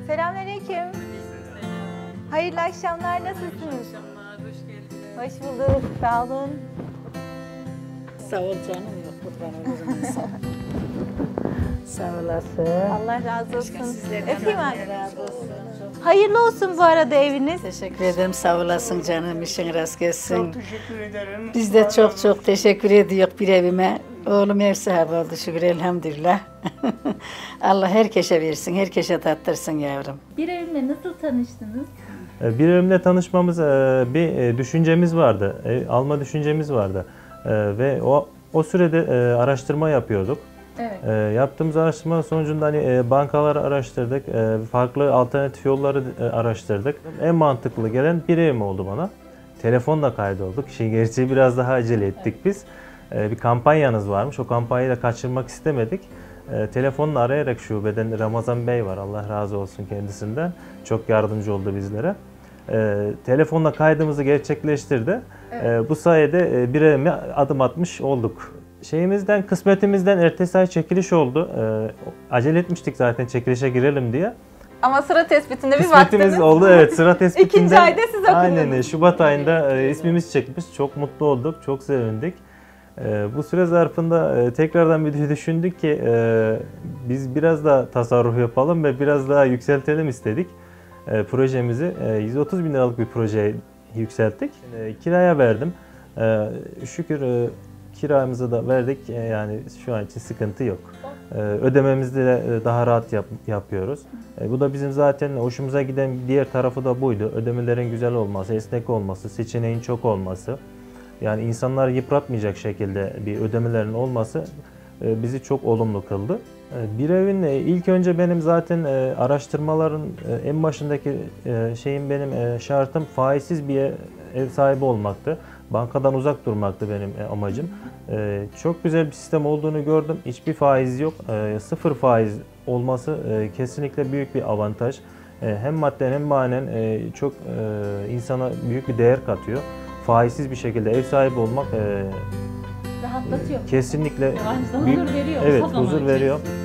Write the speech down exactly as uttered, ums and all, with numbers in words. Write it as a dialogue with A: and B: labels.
A: Selamünaleyküm. Hayırlı akşamlar, nasılsınız?
B: Hayırlı akşamlar, hoş geldiniz.
A: Hoş bulduk, sağ olun.
C: Sağ ol canım, yok kurban olurum insan. Sağ olasın.
A: Allah razı olsun.
C: Sizlerden
A: Öpeyim
C: Allah
A: anne.
C: razı olsun.
A: Hayırlı olsun bu arada eviniz.
C: Teşekkür ederim, sağ olasın canım, işin rast gelsin.
D: Çok teşekkür ederim.
C: Biz de çok çok teşekkür ediyoruz bir evime. Oğlum ev sahibi oldu şükür elhamdülillah. Allah herkese versin, herkese tattırsın yavrum.
A: Bir evimle nasıl tanıştınız?
E: Bir evimle tanışmamız, bir düşüncemiz vardı, ev alma düşüncemiz vardı ve o o sürede araştırma yapıyorduk.
A: Evet.
E: Yaptığımız araştırma sonucunda hani bankaları araştırdık, farklı alternatif yolları araştırdık. En mantıklı gelen bir evim oldu bana. Telefonla kaydolduk. İşin gerçeği biraz daha acele ettik biz. Bir kampanyanız varmış, o kampanyayı da kaçırmak istemedik. E, telefonla arayarak şubeden Ramazan Bey var, Allah razı olsun kendisinden. Çok yardımcı oldu bizlere. E, telefonla kaydımızı gerçekleştirdi. Evet. E, bu sayede e, bir evime adım atmış olduk. Şeyimizden, kısmetimizden ertesi ay çekiliş oldu. E, acele etmiştik zaten çekilişe girelim diye.
A: Ama sıra tespitinde bir
E: Kısmetimiz
A: baktınız.
E: oldu, evet, sıra tespitinde.
A: İkinci ayda siz okudunuz.
E: Aynen, Şubat ayında e, ismimiz çekmiş. Çok mutlu olduk, çok sevindik. Ee, bu süre zarfında e, tekrardan bir düşündük ki e, biz biraz da tasarruf yapalım ve biraz daha yükseltelim istedik. E, projemizi e, yüz otuz bin liralık bir projeye yükselttik. E, kiraya verdim. E, şükür e, kiramızı da verdik. E, yani şu an için sıkıntı yok. E, ödememizi de daha rahat yap, yapıyoruz. E, bu da bizim zaten hoşumuza giden diğer tarafı da buydu. Ödemelerin güzel olması, esnek olması, seçeneğin çok olması. Yani insanları yıpratmayacak şekilde bir ödemelerin olması bizi çok olumlu kıldı. Bir evin ilk önce benim zaten araştırmaların en başındaki şeyim, benim şartım faizsiz bir ev sahibi olmaktı. Bankadan uzak durmaktı benim amacım. Çok güzel bir sistem olduğunu gördüm. Hiçbir faiz yok. Sıfır faiz olması kesinlikle büyük bir avantaj. Hem madden hem manen çok insana büyük bir değer katıyor. Faizsiz bir şekilde ev sahibi olmak
A: Rahatlatıyor.
E: kesinlikle
B: Aynı zamanda
E: büyük,
B: huzur veriyor.
E: evet,
B: o zaman
E: huzur
B: için.
E: veriyor.